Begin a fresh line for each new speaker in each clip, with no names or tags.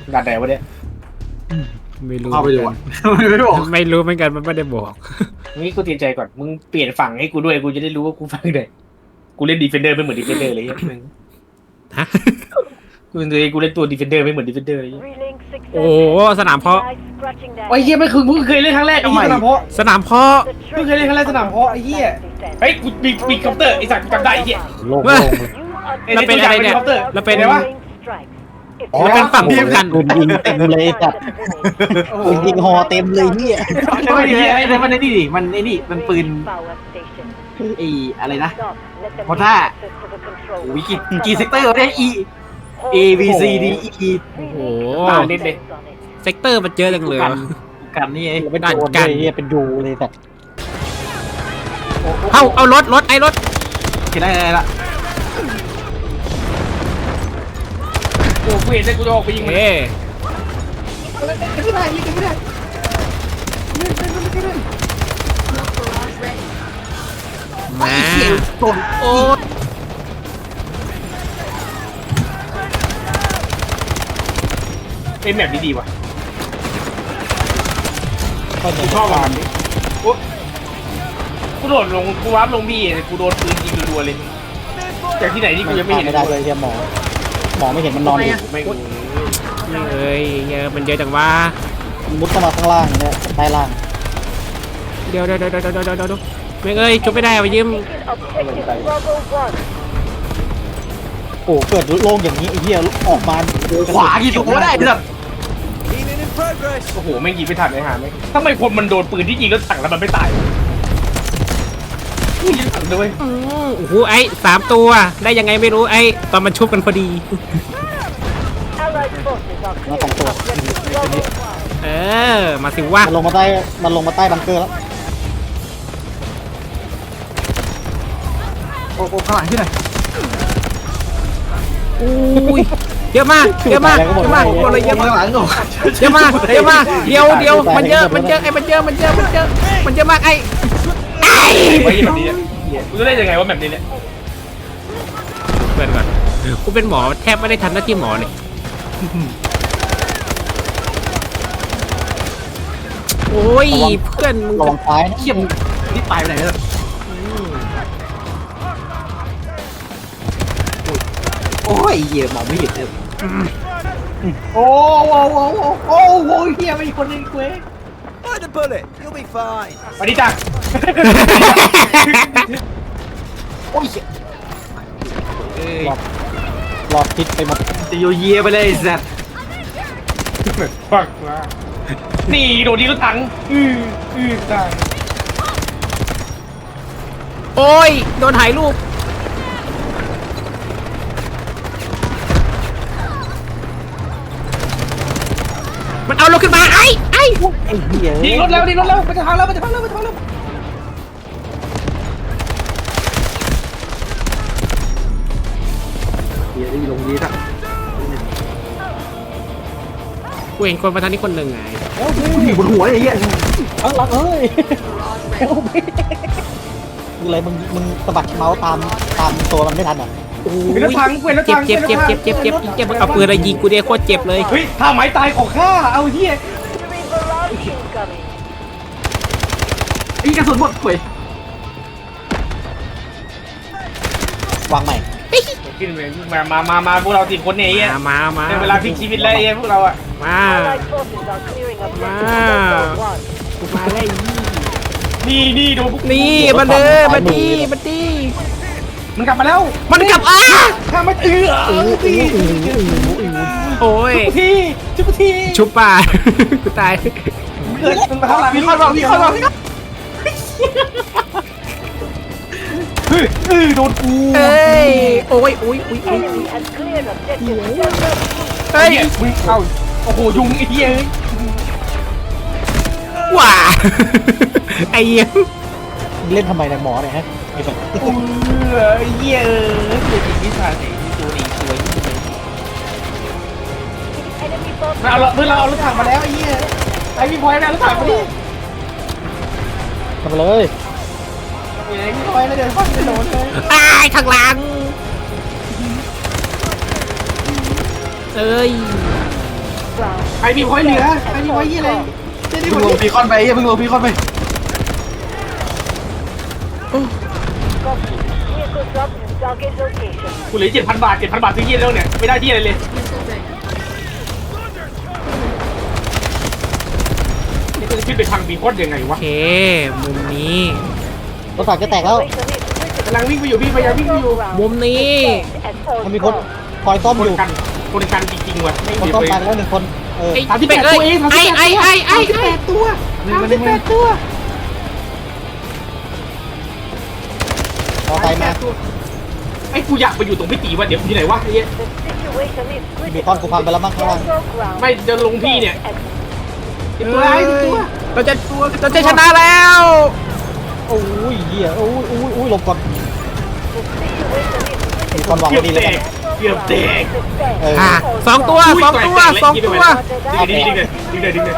ด่านไหนวะเนี่ย
ไม่รู้
เข้าไปดู
เหมื
อะ
อนกัน
ไม่บอก
ไม่รู้เหมือนกันมันไม่ได้บอก
งี้กูเตรียมใจก่อนมึงเปลี่ยนฝั่งให้กูด้วยกูจะได้รู้ว่ากูฝั่งไหนกูเล่นดีเฟนเดอร์ไม่เหมือนดีเฟนเดอร์เลยมึง
ฮะ
กูเล่นตัวดีเฟนเดอร์ไม่เหมือนดีเฟนเดอร์เลย
โอ้สนามเพาะ
ไอ้เหี้ยไม่คือมึงเคยเล่นครั้งแรกไอ้เหี้ยสนามเพาะ
สนามเพาะ
มึงเคยเล่นครั้งแรกสนามเพาะไอ้เหี้ยเฮ้ยกูมีคอมเตอร์ไอ้สัตว์กูจำได้ไอ้เหี้ย
โล่ง
แล้วเป็นอะไรเนี่ยแล้วเป็น
ไงวะ
แล้วเป็นฝั่ง
ๆ
เดียวกัน
ปืนยิงเต็มเลยจัดปืนยิงฮอเต็มเลยเนี่ย
ไม่ดีไอ้มันไอ้นี่ดิมันไอ้นี่มันปืนไอ้อะไรนะมอท่าโอ้ยกี่เซกเตอร์เนี่ย A B C D E
โอ้โห
เล่นเลย
เซกเตอร์มันเยอะจังเลย
กันนี่ไง
เป็นโดนเลยเฮียเป็นดูเลยแต่
เอารถไอ้รถ
เห็นได้ละ
โอ้กูเห็นเลยกูจะออกไปยิงมัน
เอ้
ไม่ได้ยิงไม่ได้
มา
โดน
โอ้
เป็นแบบนี้ดีว่ะ
ก็จะ
กูชอบมันนี้กูโดดลงกูวาร์ปลงพี่กูโดนปืนยิงรัวๆเลยจากที่ไหนที่กูยังไม่เห็น
ไม่ได้เลยเฮียหมอไม่เห็นมันนอนอยู่
ไม่
เอ้ยเยอะมันเยอะจังวะ
มุดเข้ามาข้างล่างเนี่ยใต้ล่าง
เดี๋ยวไม่เอ้ยจุบไม่ได้ไปยืม
โอ้เกิดโล่งอย่างนี้ไอ้เหี้ยออกมา
ขวากี่ตัวได้แบบ
โอ้โหไม่งยิงไม่ทันเลยหาไม่ทำไมคนมันโดนปืนที่ยิงรถถังแล้วมันไม่ตายยิงถังด้วย
โอ้โหไอ้3 ตัวได้ยังไงไม่รู้ไอ้ตอนมันชุบกันพอดี
มาสองตัว
เออมาสิวะ
มันลงมาใต้บังเกอร์แล้ว
โอ้ข้างหลังที่ไหน
อุ้ยเยอะมากหมดเลยเยอะ
ข้าง
มาก
หลังโอ้
เยอะมากเดี๋ยวมันเยอะไอ้มันเยอะมากไอ้
ไว้แบบนี้กูจะได้ยังไงว่าแบบนี้เนี่ย
เพื่อนก่อนกูเป็นหมอแทบไม่ได้ทำหน้าที่หมอเลยโอ้ยเพื่อนมึง
ระวังท้ายนะ
เขี้ยมนี่ตายไปไหนเนี่ยโอ้ยเหี้ยมองไม่เห็นเลย
โอ้โหเฮียไม่มีคนเล่นกูเอง
Find a bullet. You'll be fine.
สวัสดีจ้ะ
โอ้ย
รอดพิษไปหมด
จะโยเยไปเลยแซด
ฟังว่านี่โดนดีรถถังตาย
โอ้ยโดนถ่ายรูปมันเอาเราขึ้นมาไอ้
ไอ้เหี้ย
ยิงรถแล้วมันจะพังแล้ว
เหี้ยได้ลงยีทัก
กูเห็นคนมาทางนี้คนหนึ่งไง
อยู่บนหัวไอ้เหี้ย
ข้างหลังเอ้ยคืออะไรมึงสะบัดเมาส์ตามตัวมันไม่ทันอ่ะ
เป็นรถถังเป็นรถ
เจ็
ถั
บ
ง
เจ็บเอาปืนอะไรยิงกูเดียโคตรเจ็บเลย
เฮ้ยถ้าไม้ตายของข้าเอาเฮีย
ไอ้กระสุนหมดเว้ยว
างใหม่
ขึ้นไปมาพวกเราสิคนเนี่ยไอ้เฮีย
มา
เป็นเวลาพลิกชีวิตแล้วไอ้เฮียพวกเราอะ
มากูมาได้
นี่โดนพวก
นี่มาเลยมาดี
มันกลับมาแล้ว
มันกลับ
ข้ามัน
โอ้ย
ชุบที
ชุบป่ากูตาย
เกิดมันมาข้างหลัง
มีคนบอก
โดนกู
เอ้ยโอ้ยเฮ้ย
มึงเอาโอ้โหยุงไอ้เหี้ย
ว้าไอ้เหี้ย
เล่นทำไมในหมอเนี่ยฮะไอ้แบบ
ไอ้เหี้ยเกิดอีกนิสานไหนตัวนี้สวยเราเพื่อนเราเอารถถังมาแล้วไอ้เหี้ยไอ้พี่พลอยนะรถถังมาดิ
ทำไปเลย
ไอ้พี่พลอยนะเดินข้ามถนนเลย
ตายข้างหลังเอ้ย
ใครมีพอยต์เหลือใครมีพอยต์ยี่อะไรเจ๊ได้หม
เพิ่
ด
งลงพีคอนไปเพิ่งลงพีคอนไป
กูเหลือ7,000 บาท7,000 บาทซื้อยี่แล้วเนี่ยไม่ได้ที่อะไรเลยนี่กูจะขึ้นไปทางบีคอนยังไง
โอ
วะ
เคมุมนี้
รถถังจะแตกแล้ว
กำลังวิ่งไปอยู่พี่พยายามวิ่งไปอยู่
มุมนี้
มันมีคนคอยซ่อม
ค
อน ยู่
กันคนกันจริงๆว่ะไม่
คน
เหลื
ซ่อม
อ
ตาย
เลย
ไปแล้ว1 คนเออ
ไอ้
38
เป็ดเอ้ย
ตัวเอง
ไอ้
38ตัว 38ตัว
พอไปมา
ไอ้กูอยากไปอยู่ตรงพี่ตีว่าเดี๋ยวอยู่ไหนวะไอ้เหี้ย
มีคอนกูพังไปแล้วมั้งข้างล่าง
ไม่จะลงพี่เนี่ยไอ้ตัวไอ้ตัว
เราจะชนะแล้ว
โอ้ยเหี้ยโอ้ยหลบก่อนมีคนวาง
เกือบ
ดี
แต
เลย
กเกือบแตก
เออ
สองตัว
อุ้ย
สองตัว
แตก
สอง
แตก
ตัว
ดึงเลยดึงเลยดึงเลย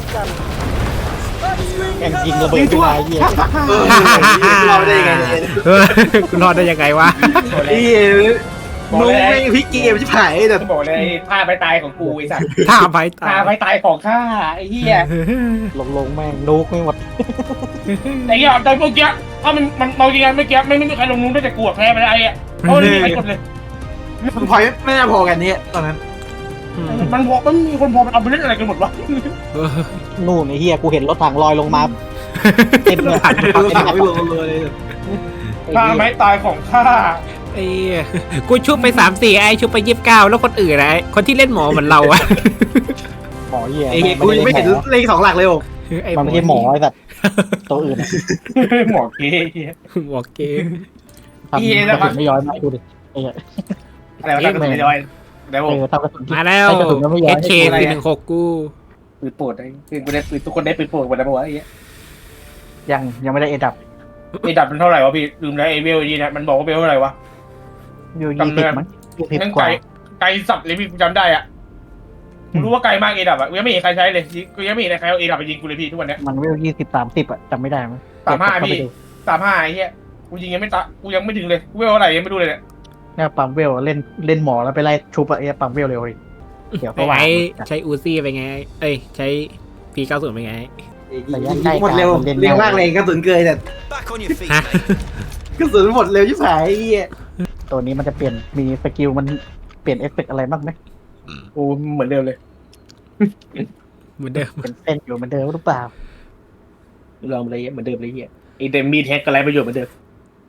แข่งยิงระเบิดขึ้นมาเหี้ย
เราได้ยังไงเนี่ย
คุณรอดได้ยังไงวะ
นี่มึงไม่พลิกเกมชิบหายแต่
บอกเลยท่าไปตายของกูไอ้สัส
ท่าไปตา
ท่าไปตายของข้าไอ้เหี้ย
ลงแม่งนุกไม่หมด
ไอ้เหี้ยแต่เมื่อกี้ถ้ามันเมาจริงๆเมื่อกี้ไม่มีใครลงนู้นได้แต่กูแพ้ไปแล้วไอ้เพราะไม่มีใครกดเลย
มันพอยไม่น่าพอกันเนี่ยตอนนั้น
มันมีคนพอมันเอาไปเล่นอะไรกันหมดวะ
นู่นไอ้เหี้ยกูเห็นรถถังลอยลงมาเต็มเลย
ดูสาวไม่ลงเลย
ท่าไม้ตายของข้า
ไอ้กูชุบไป3-4ไอ้ชุบไป29แล้วคนอื่นไอ้คนที่เล่นหมอเหมือนเราอะ
หมอเหี้ย
ไอ้กูยังไม่เห็นเลข2 หลักเลยโอ้
มันไม่ใช่หมอไอ้สัตว์ตัวอื่น
หมอเก๊
หมอเกม
ทำกระสุนไม่ย้อยมาดูดิไอ้เหี้ย
อะไรวะท่ากระสุนไม่ย้อยเดี๋ยวผม
ทำกระสุน
มาแล้ว
กระสุนไม่ย้อย
HK ปี16กู
ปืนโปรดไอ้คือกูได้ปืนทุกคนได้ปืนโปรดหมดแล้วปะวะไอ้เหี้ย
ยังไม่ได้เอดับ
ไอ้ดับมันเท่าไหร่วะพี่ลืมแล้วไอ้เวลนี่นะมันบอกว่าเวลเท่าไหร่วะ
อยู่
จำได้
20มั้ง20
นั่ง
กว่า
ไกลสัตว์เลยพี่กูจำได้อ่ะกูรู้ว่าไกลมากไอ้ดับอ่ะกูยังไม่เห็นใครใช้เลยกูยังไม่เห็นใครเอาไอ้ดับไปยิงกูเลยพี่ทุกวันเนี้ย
มันเวล20-30อะจำไม่ได้มั้ง
35พี่ 35ไอ้เหี้ยกูยิงยังไม่ตะกูยังไม่ถึงเลยกูเวลเท่าไหร่ยังไม่ดูเลยเนี่ย
เนี่ยปั๊มเวลเล่นหมอแล้วไปไล่ชุบอะไอ้ปั๊มเวลเร็วเลยเดี๋ยวก็ว่า
ไอ้ใช้อูซี่ไปไงเอ้ยใช้ P90 ไปไง
หมดเร็วเร็วมากเลยกระสุนเกยแต่
Back on your feet,
ฮะ
mate.
กระสุนหมดเร็วชิบหายไอ้เหี้ย
ตัวนี้มันจะเปลี่ยนมีสกิลมันเปลี่ยนเอฟเฟกต์อะไรบ้างไหม
กูเหมือนเดิมเลย
เหมือนเดิม
เป็นเส้นอยู่เหมือนเดิมหรือเปล่า
ลองเลยเหมือนเดิมเลยเหี้ยไอ้เดมมีแท็กอะไรประโยชน์เหมือนเดิม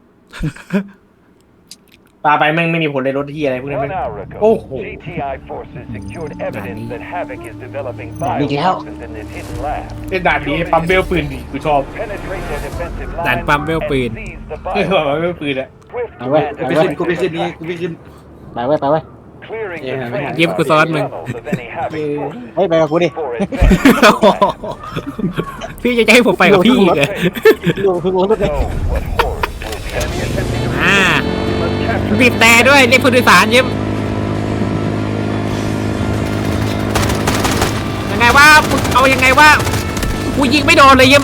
ปาไปแม่งไม่มีผลในรถที่อะไรพวกนี้
1
แม่ง
hour ago,
Oh.
GTI forces secured evidence that Havoc is developing
Nani.
bioweapons in this hidden lab.
เล่นด่านนี้ปั๊มเบลปืนดีกูชอบ
Penetrate their defensive
ด่าน
lines
ปั๊มเวลปืน
and seize the
เออ
bioweapons.
ปั๊มเบลปืนอะ
Swift
Ah, ouais.
command
ไป
and
ขึ้นกูไปขึ้นนี่กูไปขึ้น
ไปไว้
clearing
Yeah,
the
man.
train
Give ko sa
tunnels
amin.
of any Havoc forces
เฮ้ยไปกับกูดิ
before advancing.
พี่จะให้ผมไปกับพี่อีกเหรอ
ดูคือรถเลย
So, what horrors will the enemy attempting to
อ่า
must capture
บีบแต่ด้วยเรียกผู้โดยสารยิ้มยังไงว่าเอายังไงว่ากูยิงไม่โดนเลยยิ้ม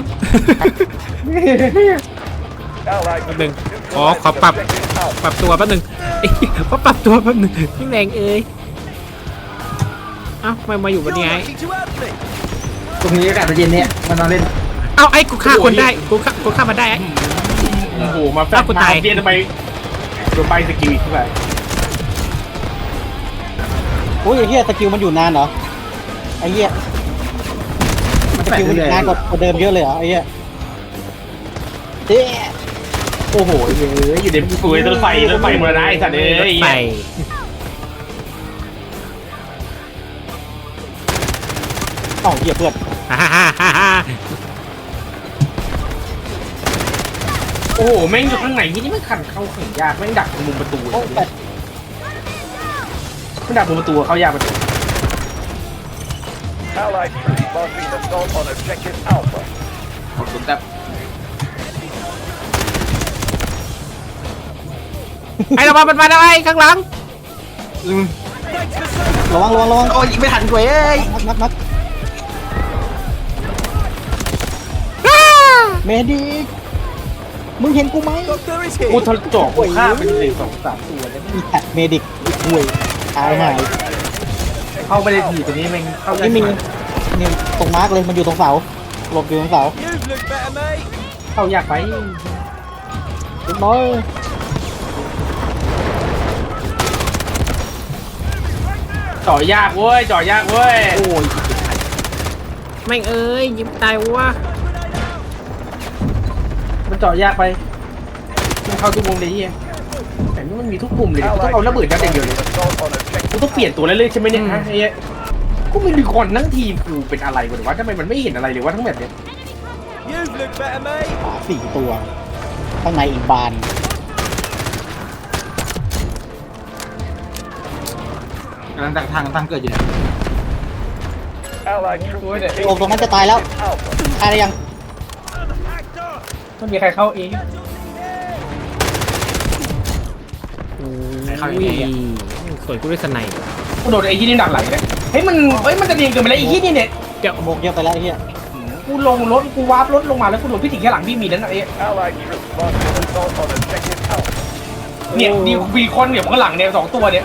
Allied
แป๊บนึง
troops
ขอ
neutralize
ปรับ
objective Alpha.
ปรับตัวแป๊บนึงเอ้ยขอปรับตัวแป๊บนึงพี่แรงเอ้ยเอ้าทำไมมาอยู่บน
You're
นี้ไง
lucky to have me.
ตรงนี้อากาศเย็นเนี่ยมันนอนเล่น
เอ้าไอ้กูฆ่าคนได้กูฆ่ามันได้ไอ้
โอ้โหมาแฟ
อ้าวกูตาย
เบียทำไมโดนใบสกิลอีกเท่าไหร่
โอ้ยไอ้เหี้ยสกิลมันอยู่นานเหรอไอ้เหี้ย
มัน
ส
แปล
กิล
ก
มันอ
เล
ยู่
ย
นานกว่าเดิมเยอะเลยเหรอไอ้เหี้ยเอ๊ะ
โอ้โหเยอะอยู่ในกูรถไฟหมดแล้วนะไอ้สัตว์เอ้ย
ไป
เอ้าเหี้ยเพื่อน
ฮ่าฮ่าฮ่าฮ่า
โอ้โหแม่งอยู่ข้างไหนนี่ไม่ขันเข้าขังยากแม่งดักมุมประตู
โอ้แต่
ไม่ดักมุมประตูเข้ายากประตู
Allied troops launching an assault on objective Alpha.
ขอบคุณครับ
ไอ้ระวังมันมาได้ข้างหลัง
ระวัง
โอ้ยยิงไม่ทันกูเอ้ย
นัดเมดิกมึงเห็นกูไหม
Doctor is
กู
here.
ทะจอกกูฆ่าไปเลย2-3 ตัวเนี่ย
มีแท็กเมดิกห่วยตายหาย
เข้าไม่ได้ทีตัวนี้แม่งเข้า
นี่มีนี่ตรงมาร์กเลยมันอยู่ตรงเสาหลบอยู่ตรงเสา
You look better, mate.
เข้ายากไป
เรียบร้อย
จ่อยากเว้ยจ่อยากเว้ย
โอ้ย
แม่งเอ้ยยิงตายวะ
มันจ่อยากไปมันเข้าทุกมุมเลยเฮียแต่นี่มันมีทุกมุมเลยกูต้องเอาระเบิดยัดอย่างเดียวเลย
Assault on objective.
กูต้องเปลี่ยนตัวเรื่อยๆใช่ไหมเนี่ยฮะไอ้เหี้ยกูไม่มีคนทั้งทีมกูเป็นอะไรวะหรือว่าทำไมมันไม่เห็นอะไรเลยวะทั้งแบบเนี้ย
You look better, mate.
ขวา4 ตัวข้างในอีกบาน
กำลังทางเกิดอยู่เนี่ย
Allied troops
โอ้ตรงนั้นจะตายแล้ว
Alpha.
ตายได้ยัง
ไม่มีใครเข้าเอง
เข้าอย่างนี้
สวยกูด้วยสไนป์
กูโดนไอ้ที่นี่หนักไหลเลยเฮ้ยมันจะเรียงเกินไปแล้วไอ้ที่นี่เนี่ย
โมกเยอะไปแล้วไอ้เหี้ย
กูลงรถกูวาร์ปรถลงมาแล้วกูโดนพี่ถึงแค่หลังพี่มีนั่นน่ะไอ้
Allied troops launch an assault on objective Alpha.
เนี่ยดีวีคอนเนี่ยข้างหลังเนี่ย2 ตัวเนี่ย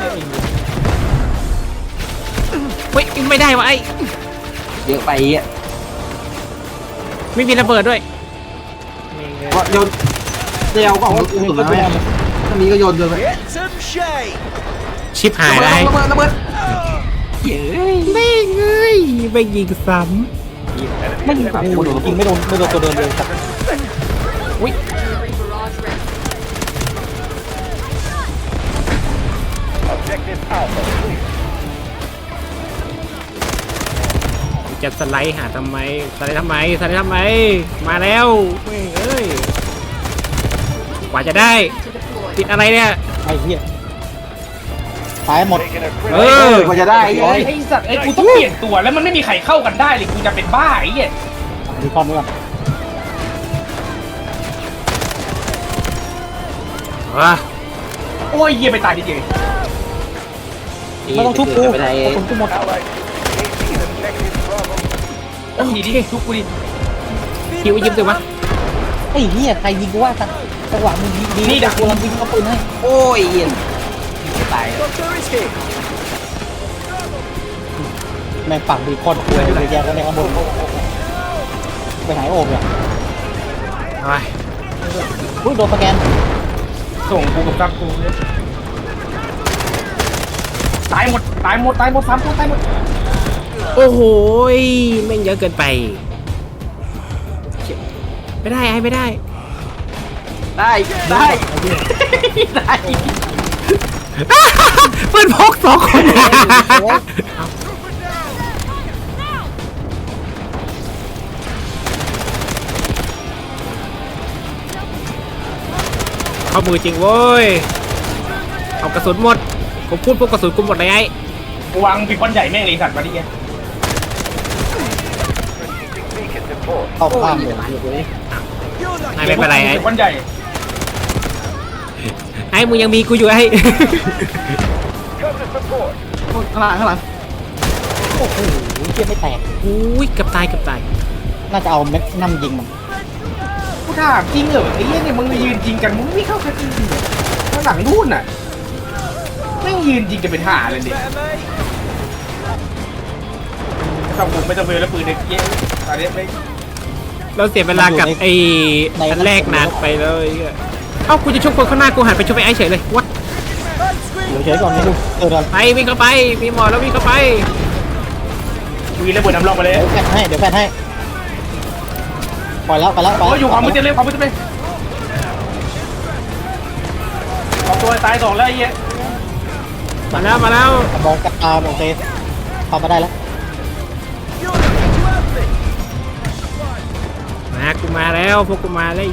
เฮ้ยไม่ได้วะไอ้
เยอะไปอ่ะ
ไม่มีระเบิดด้วย
ก็โยนเดียวก็เอาสุดแล้วไหมถ้ามีก็โยนไป
Get some shade.
ชิปหายแล้ว
ระเบิดเย้
ไม่เอ้ยไม่ยิงซ้
ไม่ยิงฝั่งกูโดนยิงไม่โดนตัวเดินเลย
Objective Alpha clear.
ำจะสไลด์หาทำไมสไลด์ทำไมมาแล้วไม่งเอ้ยกว่าจะได้ติดอะไรเนี่ย
ไอ้เหี้ยตายหมด
Taking a
เอ
critical
อ
กว่าจะได้
ไอ้สัตว์ไอ้กูต้องเปลี่ยนตัวแล้วมันไม่มีใครเข้ากันได้เลยกูจะเป็นบ้าไอ้เหี้ย
ดูความด้วยกัน
อ่ะ
โอ้ยเหี้ยไปตายดิเจ
ไม่ต้องชุบกูกระสุนกูหมด
Allied troops taking objective Bravo.
ต้องดีดิทุกกูดิ
คิวยิ้มสิวะ
ไอ้เหี้ยใครยิงกูว่าจังหวะมึงยิงดีกูลองยิงเขาปืนให้
โอ้ยเย็นตาย
Doctor is here.
แม่งฝั่งบีคอนคุยเลยแยกกันในข้างบนไปไหนโอบเนี่ย
เอาไป
อุ้ยโดนสแกน
ส่งกูกับซับกูเนี่ยตายหมด3 ตัวตายหมด
โอ้โหยแม่งเยอะเกินไปไม่ได้ไอ้ไม่ได้
ได้ได้
เพื่อนพก2 คนเข้ามือจริงเว้ยเอากระสุนหมดผมพูดพวกกระสุนกูหมดเลยไอ้
กูวางปีกบอลใหญ่แม่งเลยสัตว์มาดิแก
Strategic beacon deployed.
เข้าข้ามเลย
You're lucky.
ไอ้ไม่เป็นไรไอ้
ปีกบอลใหญ่
ไอ้มึงยังมีกูอยู่ไอ้
Cover support.
ข้างหลัง
โอ้โหเหี้ยไม่แตก
อุ้ยเกับตาย
น่าจะเอาแม็กนัมยิงมัน
กูถามจริงเหรอไอ้เหี้ยเนี่ยมึงยืนจริงกันมึงไม่เข้ากันจริงเหรอข้างหลังนู่นน่ะแม่งยืนจริงกันเป็นห่าเลยเนี่ย
Better, mate.
ไม่ต้องเวลแล้วปืนเนี่ยเย้ตอนนี้ไม่
เราเสียเวลากับไอ้อันแรกนานไปเลยเอ้ากูจะชกคนข้างหน้ากูหันไปชกไอ้ไอ้เฉยเลยวัด
เดี๋ยวเฉยก่อนนี่ดูเออเดี๋ยว
ไปวิ่งเข้าไปมีหมอแล้ววิ่งเข้าไป
วีระเบิดน้ำร่องมาเลย
แฟนให้ปล่อยแล้วไปแล้ว
โอ้ยอยู่ความมืดจะเลยความมืดจะเลย2 ตัวตาย2แล้วไอ้เหี้ย
มาแล้ว
มองกับตาโอเคเข้ามาได้แล้ว
You're lucky to have me.
มากูมาแล้วพวกกูมาแล้ว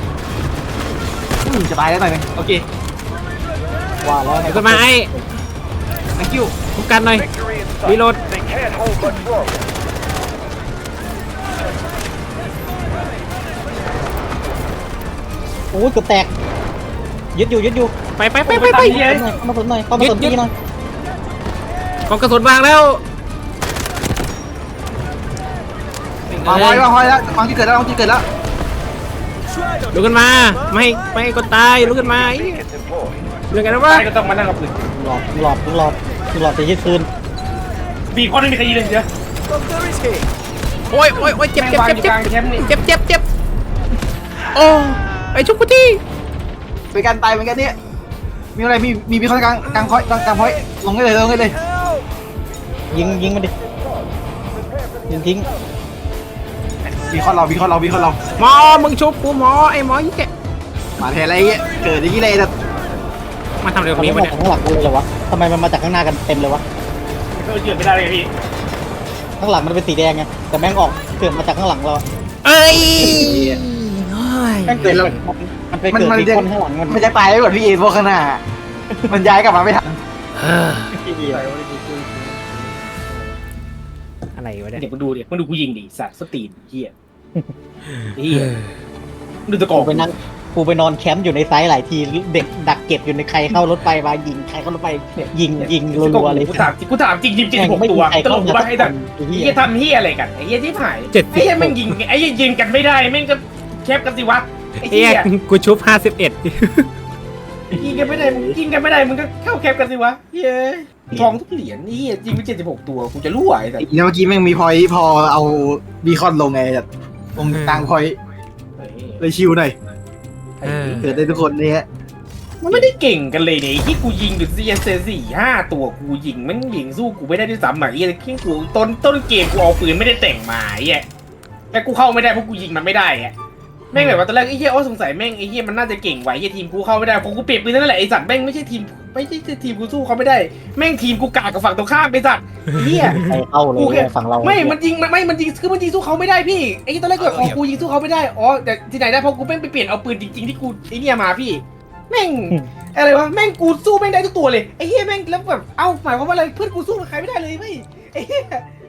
จะตายแล้วหน่อยนึงโอเค
ว่าแล้ว
เดี๋ยวก็มาไอ้
thank you
คุ้มกันหน่อย
Victory in sight.
Reload.
They can't hold much longer.
โอ้ยเกือบแตกยึดอยู่
ไป
ไปเข้ามาสนหน่อย
เข้ามาสนที่หน่อย
ของกระสุนวางแล้ว
วางไว้แล้ววางที่เกิดแล้ว
ลุกขึ้นมาไม่ให้คนตายลุกขึ้นมาไอ้
Beacon deployed.
เรื่องไงนะวะ
ตายก็ต้องมานั่งกับปืน
หลอดจะยึดคืน
บีคอนไม่มีใครยิงเลยเดี๋ยว
Doctor is here.
โอ้ยโอ้ยโอ้ยเจ็บ
แม่ง
เจ็บ
วางอ
เจ็บ
ยู่ก
เจ็
ลา
บ
งแคมป์นี่
เจ็บโอ้ไอชุกกุตี้
ไปกันตายเหมือนกันเนี่ยมีอะไรมีคนกลางพอยลงได้เลยลงได้เลย
Help!
ยิงมันดิยิงทิ้ง
มีคอนเรา
หมอมึงชุบกูหมอไอหมอยี่แก
มาแทนอะไรเงี้ยเกิดอย่างนี้เลยแต่
มาทำอะไรตร
ทำ
ง
ไม
นี้
มัน
วะ
มา
เนี่ย
จากข้างหลังกันเลยเหรอวะทำไมมันมาจากข้างหน้ากันเต็มเลยวะ
ก็เกิดไม่ได้เลยพี่
ข้างหลังมันเป็นสีแดงไงแต่แม่งออกเกิดมาจากข้างหลังเราอะ
เอ้ย
แม่งเกิดมันไปเกิดที่คนข้างหลังมัน
มันจะตายไปหมดพี่เอพวกข้างหน้ามันย้ายกลับมาไม่ทัน
อะไรวะเนี่ย
เดี๋ยวมึงดูกูยิงดิสัตว์สตีนเฮียเฮียดูตะกอ
กูไปนั่งกูไปนอนแคมป์อยู่ในไซต์หลายทีเด็กดักเก็บอยู่ในใครเข้ารถไฟมายิงใครเข้ารถไฟยิงรัวๆเลย
กูถามจริง76ตัวตลกว่าไอ้ดักไอ้เฮียทำเฮียอะไรกันไอ้เฮียที่ผ่ายไอ้เฮียแม่งยิงไอ้เฮียยิงกันไม่ได้แม่งก็แคบกันสิวะไอ้
เอ้
เฮี
ย
ย
กูชุบ51
ยิงกันไม่ได้มึงก็เข้าแคบกันสิวะเฮียทองทุกเหรียญนี่ยิงไป76ตัวกูจะรั่วไอ้สัส
แล้วเมื่อกี้แม่งมีพอยพอเอาบีคอนลงไงแบบตรงกลางพอยเลยชิวหน่อยเกิดได้ทุกคนเนี่ย
มันไม่ได้เก่งกันเลยเนี่ยที่กูยิงอยู่4-5 ตัวกูยิงมันยิงสู้กูไม่ได้ด้วยซ้ำอ่ะไอ้ขี้กูต้นเกมกูเอาปืนไม่ได้แต่งมาไอ้แต่กูเข้าไม่ได้เพราะกูยิงมันไม่ได้ไงแม่งแบบว่าตอนแรกไอ้เหี้ยสงสัยแม่งไอ้เหี้ยมันน่าจะเก่งไว้ไอ้ทีมกูเข้าไม่ได้เพราะกูเปลี่ยนปืนนั่นแหละไอ้สัตว์แม่งไม่ใช่ทีมกูสู้เขาไม่ได้แม่งทีมกูกากกับฝั่งตรงข้ามไอ้สัตว์เหี้ย
ใครเข้าเลยฝั่งเรา
ไม่มันยิงคือมันยิงสู้เขาไม่ได้พี่ไอ้ตอนแรกก็แบบกูยิงสู้เขาไม่ได้อ๋อแต่ที่ไหนได้เพราะกูแม่งไปเปลี่ยนเอาปืนจริงๆที่กูไอ้เนี่ยมาพี่แม่งอะไรวะแม่งกูสู้แม่งได้ทุกตัวเลยไอ้เหี้ยแม่งแล้วแบบเอ้าหมายความว่าอะไรเพื่อนกูสู้กับใครไม่ได้เลยเว้ยไอ้เหี้ย